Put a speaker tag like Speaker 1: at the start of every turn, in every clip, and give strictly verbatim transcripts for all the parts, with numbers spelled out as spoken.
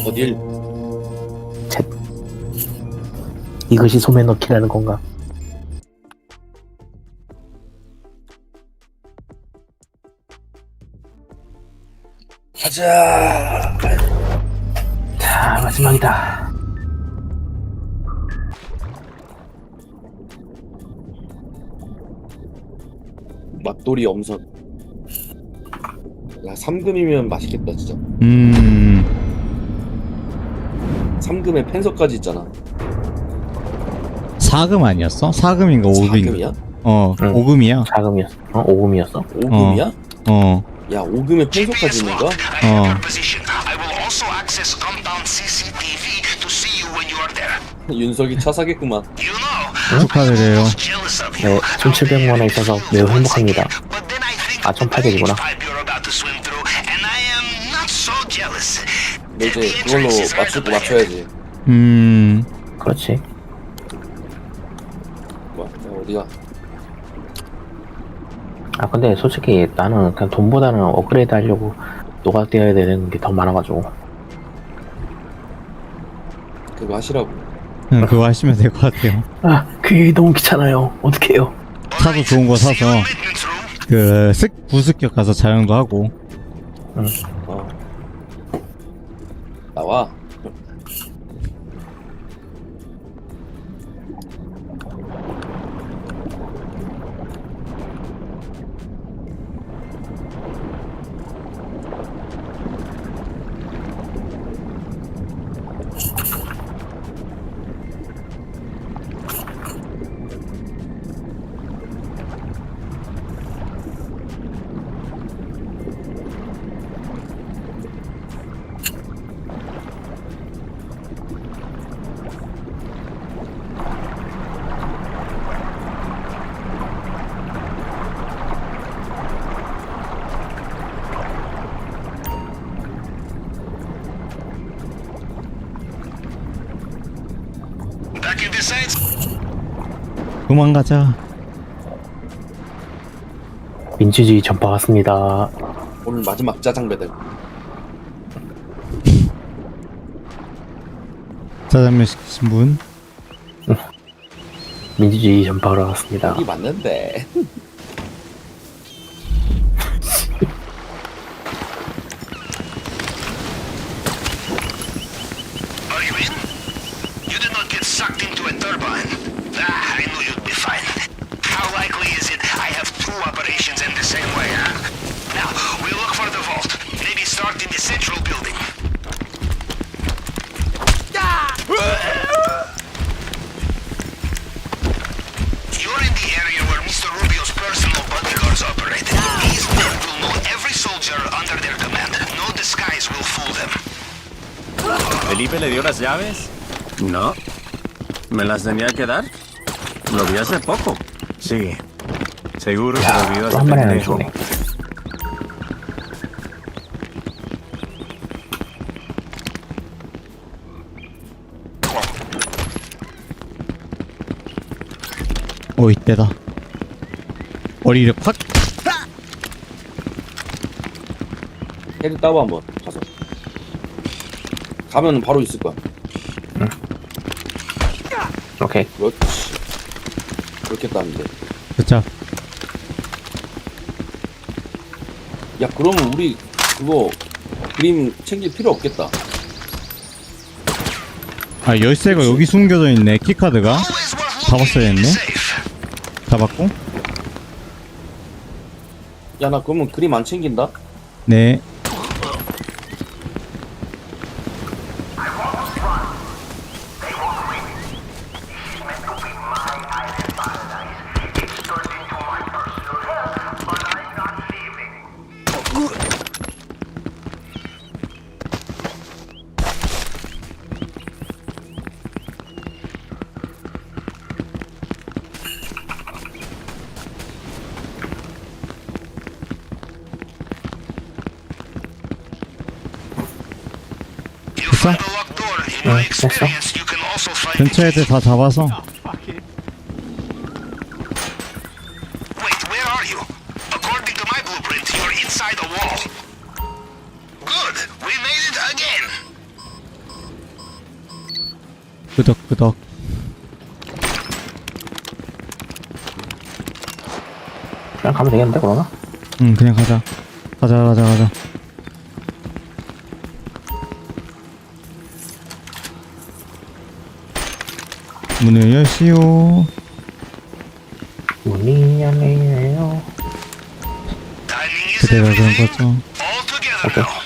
Speaker 1: 어딜?
Speaker 2: 챗. 이것이 소매 넣기라는 건가?
Speaker 1: 가자.
Speaker 2: 자, 마지막이다.
Speaker 1: 맛돌이 엄선. 야, 삼 금이면 맛있겠다 진짜.
Speaker 3: 음.
Speaker 1: 삼 금에 펜서까지 있잖아.
Speaker 3: 사 금 아니었어? 사 금인가 오
Speaker 1: 사
Speaker 3: 금인가?
Speaker 1: 금이야?
Speaker 3: 어,
Speaker 2: 응.
Speaker 3: 오 금이야.
Speaker 2: 자금이었어. 어? 오금이었어?
Speaker 1: 오 금이야?
Speaker 3: 어.
Speaker 1: 야, 오 금에 펜서까지 있는 거야?
Speaker 3: 어.
Speaker 1: 윤석이 차 사겠구만.
Speaker 3: 축하드려요.
Speaker 2: 네, 천칠백만 원 있어서 매우 행복합니다. 아, 천팔백이구나.
Speaker 1: 너 이제 그걸로 맞추고 맞춰야지.
Speaker 3: 음.
Speaker 2: 그렇지.
Speaker 1: 뭐, 야, 어디가?
Speaker 2: 아, 근데 솔직히 나는 그냥 돈보다는 업그레이드 하려고 노가떼어야 되는 게 더 많아가지고.
Speaker 1: 그거 하시라고.
Speaker 3: 그냥 그거 하시면 될 것 같아요.
Speaker 2: 아, 그게 너무 귀찮아요. 어떡해요.
Speaker 3: 차도 좋은 거 사서 그 습, 부습격 가서 자연도 하고.
Speaker 2: 응.
Speaker 1: 어. 나와.
Speaker 3: 도망가자.
Speaker 2: 민주주의 전파 왔습니다.
Speaker 1: 오늘 마지막 짜장 배달.
Speaker 3: 짜장면 시키신 분?
Speaker 2: 민주주의 전파하러 왔습니다.
Speaker 1: 여기 맞는데.
Speaker 4: Are you in? You did not get sucked into a turbine. Ah, I knew you'd be fine. How likely is it I have two operations in the same way, huh? Now, we'll look for the vault. Maybe start in the central building. You're in the area where Mister Rubio's personal bodyguards operate. These men will know every soldier under their command. No disguise will fool them.
Speaker 5: ¿Felipe le dio las llaves? No. ¿Me las tenía que dar? Lo vi hace poco. Sí. Seguro se lo olvidó a
Speaker 2: 또
Speaker 5: ese
Speaker 2: 한 마리 안
Speaker 5: pendejo.
Speaker 2: 주네.
Speaker 3: 오, 이때다. 머리를 팍!
Speaker 1: 헤드 따봐 한번 가서. 가면 바로 있을 거야.
Speaker 2: 오케이.
Speaker 1: 그렇지. 그렇게 따는데.
Speaker 3: 그쵸.
Speaker 1: 야, 그러면 우리 그거 그림 챙길 필요 없겠다.
Speaker 3: 아, 열쇠가 여기 숨겨져 있네. 키카드가.
Speaker 4: Always worth
Speaker 3: 잡았어야
Speaker 4: looking in the
Speaker 3: 했네.
Speaker 4: safe.
Speaker 3: 잡았고.
Speaker 1: 야, 나 그러면 그림 안 챙긴다.
Speaker 3: 네.
Speaker 4: You find a locked door. In my
Speaker 2: 됐어.
Speaker 4: experience, you can also find
Speaker 3: 근처 애들 다 잡아서.
Speaker 4: Wait, where are you? According to my blueprint, you're inside a wall. Good. We made it again.
Speaker 3: 끄덕끄덕.
Speaker 2: 그냥 가면 되겠는데 그러나?
Speaker 3: 응, 그냥 가자. 가자, 가자, 가자. 문을 여시오.
Speaker 2: 문이 열리네요.
Speaker 4: Timing is
Speaker 3: 그대가 그런
Speaker 4: everything.
Speaker 3: 거죠.
Speaker 4: All together
Speaker 2: Okay.
Speaker 4: now.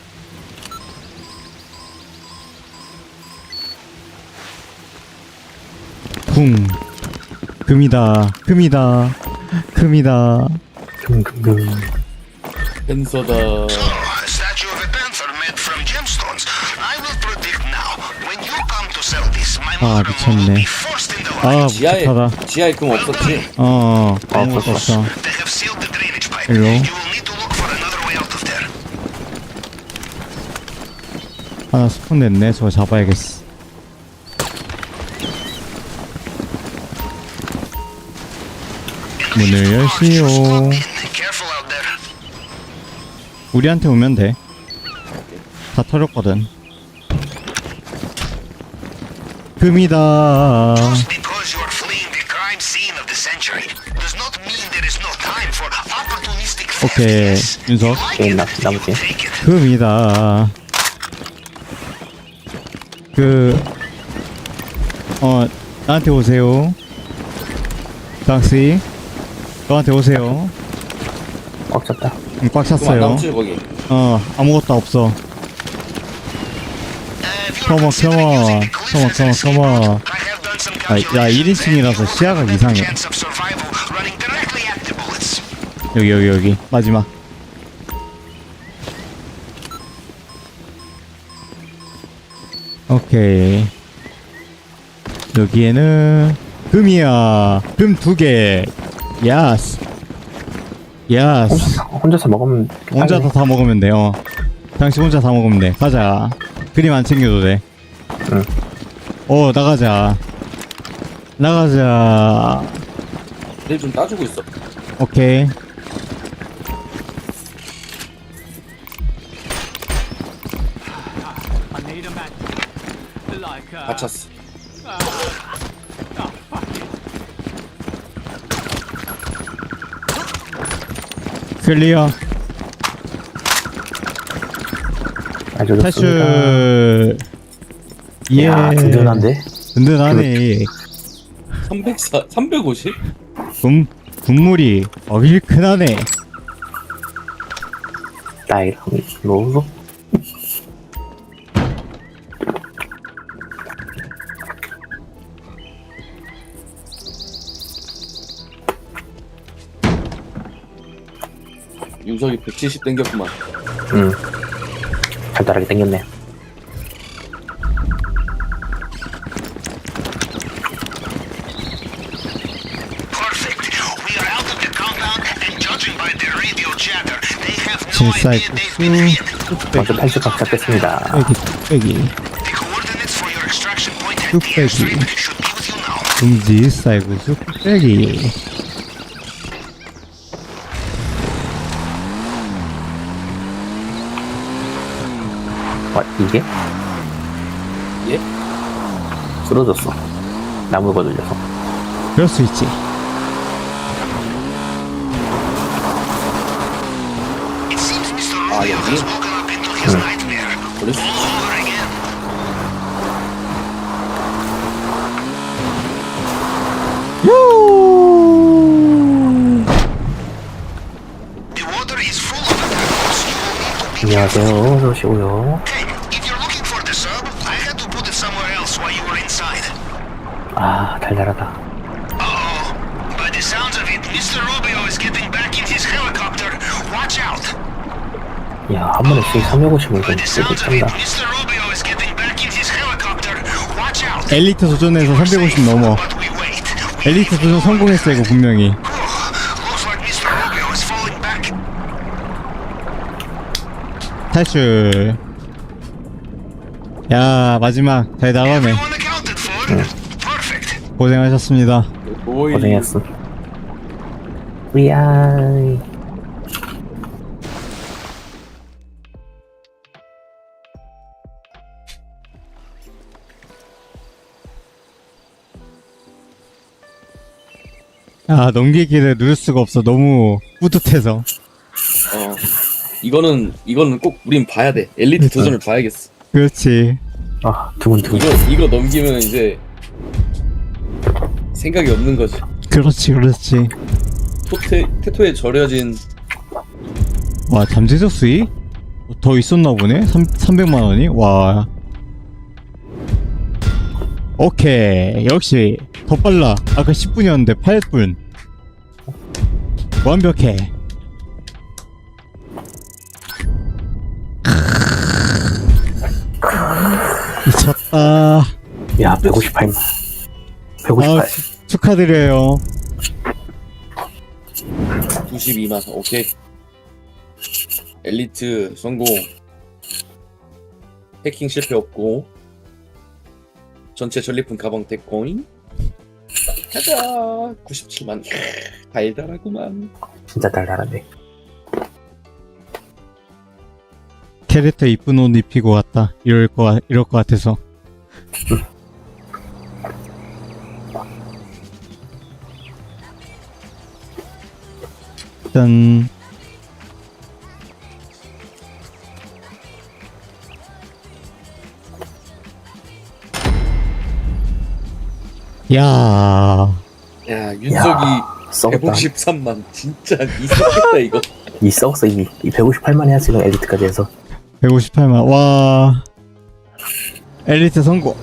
Speaker 3: 쿵. 금이다. 금이다. 금이다.
Speaker 2: 금금금.
Speaker 1: 펜서다.
Speaker 4: Oh, a statue of a panther made from gemstones. I will predict now. When you come to sell this, my
Speaker 3: 아,
Speaker 4: mother-in-law will
Speaker 3: 미쳤네.
Speaker 4: be first in the
Speaker 3: 아,
Speaker 4: line.
Speaker 1: 지하에
Speaker 3: 무섭하다.
Speaker 1: 지하에 금 없었지?
Speaker 3: 어, 아무것도
Speaker 2: 없었어.
Speaker 3: 없어.
Speaker 4: They have sealed the drainage pipe.
Speaker 3: Hello?
Speaker 4: You will need to look for another way out of there.
Speaker 3: 하나 스폰 냈네. 저거 잡아야겠어. 문을 여시오.
Speaker 4: Careful out there.
Speaker 3: 우리한테 오면 돼. 다 털었거든. 금이다.
Speaker 4: Just because you are fleeing the crime scene of the century does not mean there is no time for opportunistic theft.
Speaker 3: 오케이,
Speaker 4: Yes.
Speaker 3: 윤석.
Speaker 4: You like
Speaker 2: 오케이,
Speaker 4: it,
Speaker 2: 나-
Speaker 4: you
Speaker 2: 나머지.
Speaker 4: will take it.
Speaker 3: 금이다. 그, 어, 나한테 오세요. 닥시. 너한테 오세요.
Speaker 2: 꽉 찼다.
Speaker 3: 응, 꽉
Speaker 1: 금 안
Speaker 3: 찼어요.
Speaker 1: 남지 거기.
Speaker 3: 어, 아무것도 없어.
Speaker 4: Uh, if you are
Speaker 3: Come on,
Speaker 4: considering
Speaker 3: come on,
Speaker 4: using the
Speaker 3: come on,
Speaker 4: cliffs as a
Speaker 3: come on,
Speaker 4: seaport,
Speaker 3: come on.
Speaker 4: I have done some
Speaker 3: 아, 야,
Speaker 4: calculations
Speaker 3: 일 인칭이라서
Speaker 4: and you
Speaker 3: 시야가
Speaker 4: have a
Speaker 3: 이상해.
Speaker 4: chance of survival running directly at the bullets.
Speaker 3: 여기, 여기, 여기. 마지막. 오케이. 여기에는 금이야. 금 두 개. 야스. 야스.
Speaker 2: 혼자, 혼자서 먹으면
Speaker 3: 혼자 다, 다 먹으면 돼요. 당신 혼자 다 먹으면 돼. 가자. 그림 안 챙겨도 돼.
Speaker 2: 응.
Speaker 3: 어, 나가자. 나가자.
Speaker 1: 내일 좀 따주고 있어.
Speaker 3: 오케이.
Speaker 1: 다 찼어.
Speaker 3: 클리어.
Speaker 2: 아주 좋습니다.
Speaker 3: 탈출. 예.
Speaker 2: 야, 든든한데?
Speaker 3: 든든하네.
Speaker 1: 삼백사, 삼백오십?
Speaker 3: 군, 군물이 어길 크나네.
Speaker 2: 나이랑 로로.
Speaker 1: 윤석이 백칠십 땡겼구만.
Speaker 2: 응. 간단하게 땡겼네.
Speaker 4: Perfect. We are out of the compound, and judging by their radio chatter, they have no
Speaker 3: 질사의
Speaker 4: idea they've been hit.
Speaker 2: 먼저 탈출각 잡겠습니다.
Speaker 3: 뚝배기, 뚝배기.
Speaker 4: The coordinates for your extraction point at the
Speaker 3: 뚝배기.
Speaker 4: airstrip should be with you now.
Speaker 3: 금지, 쌀구수, 뚝배기.
Speaker 2: 와, 이게?
Speaker 1: 예?
Speaker 2: 쓰러졌어. 나무 거들려서.
Speaker 3: 그럴 수 있지.
Speaker 4: It seems Mister
Speaker 1: Ah,
Speaker 4: Rubio
Speaker 1: yeah,
Speaker 4: has
Speaker 1: yeah.
Speaker 4: woken up into his nightmare.
Speaker 1: 그랬어.
Speaker 4: All over again.
Speaker 3: 요!
Speaker 4: The water is full of attackers. You will need to be
Speaker 2: 안녕하세요. 어서 오시고요.
Speaker 4: Hey, if you're looking for the sub, I had to put it somewhere else while you were inside.
Speaker 2: 아, 달달하다.
Speaker 4: Uh-oh. By the sounds of it, Mister Rubio is getting back in his helicopter. Watch out.
Speaker 2: 야, 한 번에 씩 삼백오십을
Speaker 4: By
Speaker 2: 좀
Speaker 4: the
Speaker 2: 쓰게
Speaker 4: sounds of it,
Speaker 2: 짠다.
Speaker 4: Mister Rubio is getting back in his helicopter. Watch out.
Speaker 3: 엘리트 도전에서 삼백오십 넘어.
Speaker 4: But we wait. We
Speaker 3: 엘리트 도전 성공했어, 이거 분명히.
Speaker 4: Looks like Mister Rubio is falling back.
Speaker 3: 탈출. 야, 마지막. 잘 나가네.
Speaker 4: Everyone accounted for. Perfect.
Speaker 3: 고생하셨습니다.
Speaker 1: 오이.
Speaker 2: 고생했어. 위아이.
Speaker 3: 아, 넘기기를 누를 수가 없어. 너무 뿌듯해서.
Speaker 1: 어 이거는 이거는 꼭 우린 봐야 돼. 엘리트
Speaker 3: 그러니까.
Speaker 1: 도전을 봐야겠어.
Speaker 3: 그렇지.
Speaker 2: 아 두근두근.
Speaker 1: 이거 이거 넘기면 이제 생각이 없는 거지.
Speaker 3: 그렇지, 그렇지.
Speaker 1: 토테 테토에 절여진
Speaker 3: 와, 잠재적 수익? 더 있었나 보네? 삼, 삼백만 원이? 와. 오케이. 역시 더 빨라. 아까 십 분이었는데 팔 분. 완벽해. 미쳤다.
Speaker 2: 야 백오십팔만. 백오십팔.
Speaker 3: 아, 축하드려요.
Speaker 1: 구십이만. 오케이. 엘리트 성공. 해킹 실패 없고. 전체 전리품 가방 대코인. 가자. 구십칠만. 달달하구만.
Speaker 2: 진짜 달달하네.
Speaker 3: 캐릭터 이쁜 옷 입히고 왔다. 이럴 거 같- 이럴 거 같아서. 짠. 야.
Speaker 1: 야 윤석이
Speaker 2: 썩었다.
Speaker 1: 백오십삼만. 진짜 이상했다 이거.
Speaker 2: 이 썩었어 이미. 이 백오십팔만 해야 지금 엘리트까지 해서.
Speaker 3: 백오십팔만. 와. 엘리트 성공.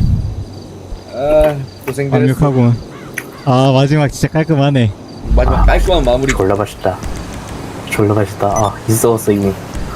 Speaker 1: 아 고생들 했어.
Speaker 3: 완벽하군. 아, 마지막 진짜 깔끔하네.
Speaker 1: 마지막
Speaker 2: 아,
Speaker 1: 깔끔한 마무리.
Speaker 2: 졸라 맛있다. 졸라 맛있다. 아, 이 썩었어 이미.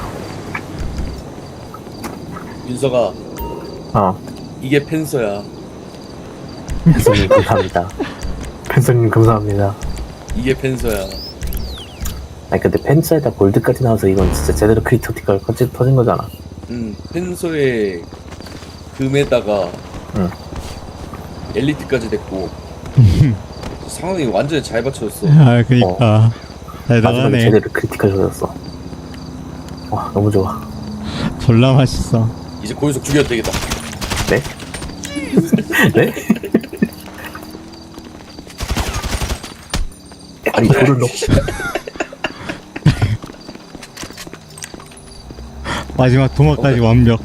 Speaker 1: 윤석아
Speaker 2: 어,
Speaker 1: 이게 펜서야.
Speaker 2: 펜서님 감사합니다. 펜서님 감사합니다.
Speaker 1: 이게 펜서야.
Speaker 2: 아니 근데 펜서에다 골드까지 나와서 이건 진짜 제대로 크리티컬 터진, 터진 거잖아.
Speaker 1: 음 펜서의 금에다가
Speaker 2: 응.
Speaker 1: 엘리트까지 됐고 상황이 완전히 잘 받쳐졌어.
Speaker 3: 아, 그니까. 잘
Speaker 2: 마지막에
Speaker 3: 나가네.
Speaker 2: 제대로 크리티컬 터졌어. 와, 너무 좋아.
Speaker 3: 졸라 맛있어.
Speaker 1: 이제 고윤석 죽여도 되겠다.
Speaker 2: 네? 네? 아니 돌을 넣고
Speaker 3: 마지막 도마까지 완벽.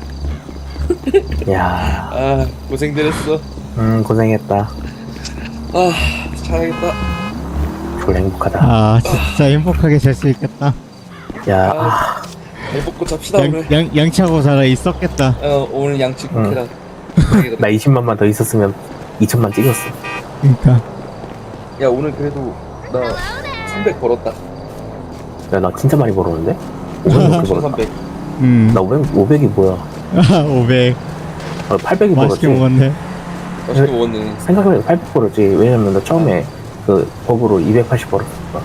Speaker 2: 야,
Speaker 1: 아 고생들 했어.
Speaker 2: 음 고생했다.
Speaker 1: 아 잘하겠다.
Speaker 2: 졸라 행복하다.
Speaker 3: 아, 진짜 행복하게 잘 수 있겠다.
Speaker 2: 야,
Speaker 1: 아,
Speaker 2: 아,
Speaker 1: 잘 먹고 잡시다 오늘.
Speaker 3: 양, 양, 양치하고 살아 있었겠다.
Speaker 1: 어 오늘 양치 꼭
Speaker 2: 응.
Speaker 1: 해라.
Speaker 2: 나 이십만만 더 있었으면 이천만 찍었어.
Speaker 3: 그니까.
Speaker 1: 야 오늘 그래도 나 삼백 벌었다.
Speaker 2: 야, 나 진짜 많이 벌었는데? 오백 넘게 벌었다.
Speaker 1: 천삼백.
Speaker 3: 음.
Speaker 2: 나 오백, 오백이 뭐야?
Speaker 3: 아, 오백.
Speaker 2: 어, 팔백이
Speaker 3: 맛있게
Speaker 2: 벌었지.
Speaker 3: 먹었네.
Speaker 1: 맛있게 먹었네.
Speaker 2: 생각해보니까 팔백 벌었지. 왜냐면 나 처음에 그 법으로 이백팔십 벌었어.